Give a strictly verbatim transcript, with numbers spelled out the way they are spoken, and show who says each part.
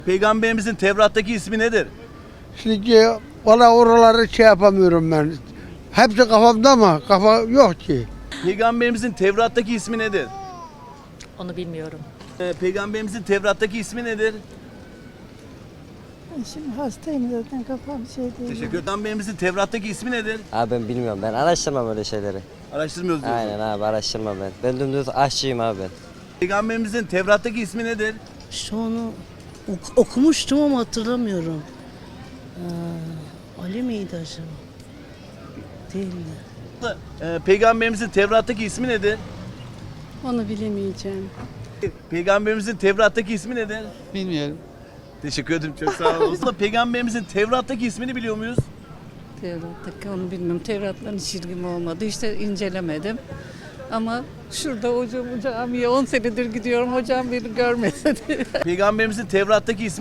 Speaker 1: Peygamberimizin Tevrat'taki ismi nedir?
Speaker 2: Şimdi valla oraları şey yapamıyorum ben. Hepsi kafamda ama kafa yok ki.
Speaker 1: Peygamberimizin Tevrat'taki ismi nedir?
Speaker 3: Onu bilmiyorum.
Speaker 1: Ee, Peygamberimizin Tevrat'taki ismi nedir?
Speaker 4: Şimdi hastayım zaten kafam şey değil.
Speaker 1: Teşekkür ederim. Peygamberimizin Tevrat'taki ismi nedir?
Speaker 5: Abi ben bilmiyorum. Ben araştırmam öyle şeyleri.
Speaker 1: Araştırmıyoruz diyorsun.
Speaker 5: Aynen abi araştırmam ben. Ben dümdüz aşçıyım abi ben.
Speaker 1: Peygamberimizin Tevrat'taki ismi nedir?
Speaker 6: İşte onu ok- okumuştum ama hatırlamıyorum. Ee, Ali miydi acaba? Değildi.
Speaker 1: Ee, Peygamberimizin Tevrat'taki ismi nedir?
Speaker 4: Onu bilemeyeceğim.
Speaker 1: Peygamberimizin Tevrat'taki ismi nedir?
Speaker 7: Bilmiyorum.
Speaker 1: Teşekkür ederim, çok sağ olun. Aslında Peygamberimizin Tevrat'taki ismini biliyor muyuz?
Speaker 8: Tevrat'taki onu bilmiyorum. Tevrat'la hiç ilgim olmadı. İşte incelemedim. Ama şurada hocam camiye on senedir gidiyorum. Hocam beni görmese de.
Speaker 1: Peygamberimizin Tevrat'taki ismi